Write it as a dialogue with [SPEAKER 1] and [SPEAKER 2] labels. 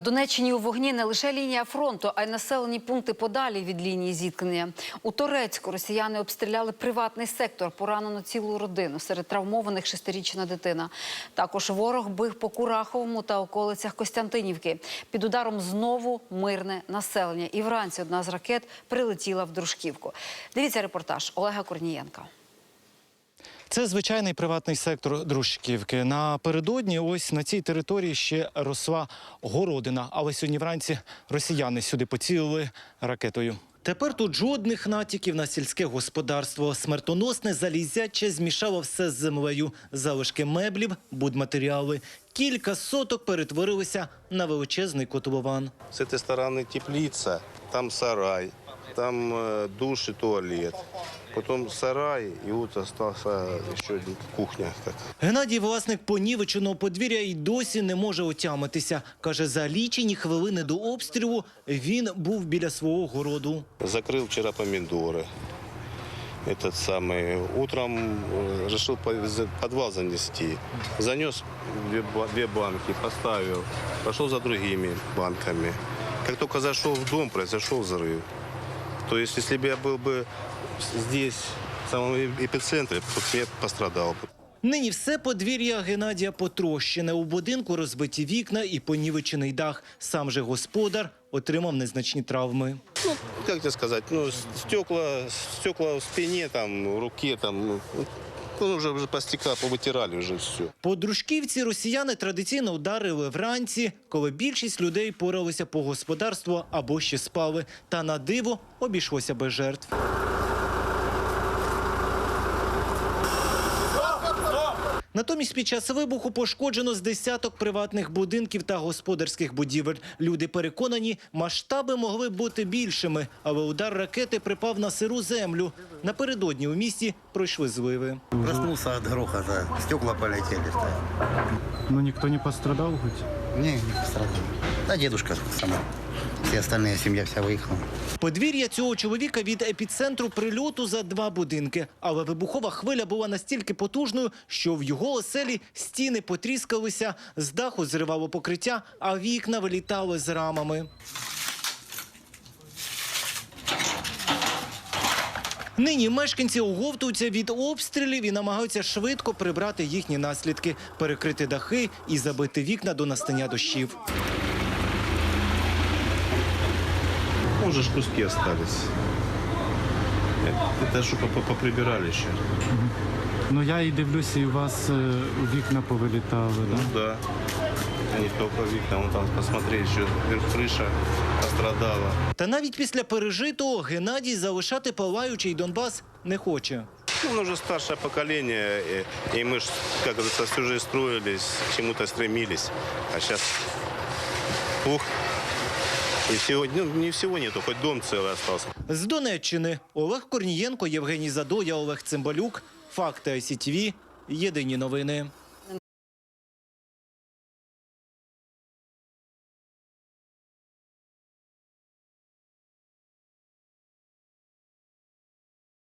[SPEAKER 1] В Донеччині у вогні не лише лінія фронту, а й населені пункти подалі від лінії зіткнення. У Торецьку росіяни обстріляли приватний сектор, поранено цілу родину. Серед травмованих 6-річна дитина. Також ворог бив по Кураховому та околицях Костянтинівки. Під ударом знову мирне населення. І вранці одна з ракет прилетіла в Дружківку. Дивіться репортаж Олега Корнієнка.
[SPEAKER 2] Це звичайний приватний сектор Дружківки. Напередодні ось на цій території ще росла городина. Але сьогодні вранці росіяни сюди поцілили ракетою. Тепер тут жодних натяків на сільське господарство. Смертоносне залізяче змішало все з землею. Залишки меблів, будматеріали. Кілька соток перетворилися на величезний котлован.
[SPEAKER 3] З цієї сторони теплиця, там сарай, там душ і туалет. Потім сарай, і от залишилася ще кухня.
[SPEAKER 2] Геннадій, власник понівеченого подвір'я, і досі не може отямитися. Каже, за лічені хвилини до обстрілу він був біля свого городу.
[SPEAKER 3] Закрив вчора помідори. Утром вирішив підвал занести. Занес дві банки, поставив, пішов за другими банками. Як тільки зайшов в дом, произошел взрыв. То есть, если бы я был бы здесь, в самому епіцентрі, то я пострадав.
[SPEAKER 2] Нині все подвір'я Геннадія потрощене. У будинку розбиті вікна і понівечений дах. Сам же господар отримав незначні травми.
[SPEAKER 3] Ну, як тебе сказати, стекла в спині, в руці, вже по стекла повитирали вже все.
[SPEAKER 2] По Дружківці росіяни традиційно ударили вранці, коли більшість людей поралися по господарству або ще спали. Та на диво обійшлося без жертв. Натомість під час вибуху пошкоджено з десяток приватних будинків та господарських будівель. Люди переконані, масштаби могли б бути більшими, але удар ракети припав на сиру землю. Напередодні у місті пройшли зливи.
[SPEAKER 4] Проснулся от грохота, стекла полетели.
[SPEAKER 5] Но никто не пострадал хоть?
[SPEAKER 4] Не пострадал. Да дедушка сама. Все остальные, семья вся выехала.
[SPEAKER 2] Подвір'я цього чоловіка від епіцентру прильоту за 2 будинки. Але вибухова хвиля була настільки потужною, що в його оселі стіни потріскалися, з даху зривало покриття, а вікна вилітали з рамами. Нині мешканці оговтуються від обстрілів і намагаються швидко прибрати їхні наслідки, перекрити дахи і забити вікна до настання дощів.
[SPEAKER 3] Уже ж куски остались. Это что поприбирали ще.
[SPEAKER 5] Ну я і дивлюся, і у вас вікна повилітали, да?
[SPEAKER 3] Ну да. Не только вікна, вон там посмотри, що криша пострадала.
[SPEAKER 2] Та навіть після пережитого Геннадій залишати палаючий Донбас не хоче.
[SPEAKER 3] Он уже старшее поколение, и мы, как говорится, всю жизнь строились, к чему-то стремились. А сейчас, и всего, не всего нету, хоть дом целый остался.
[SPEAKER 2] З Донеччини Олег Корнієнко, Євгеній Задоя, Олег Цимбалюк. Факти ICTV. Єдині новини.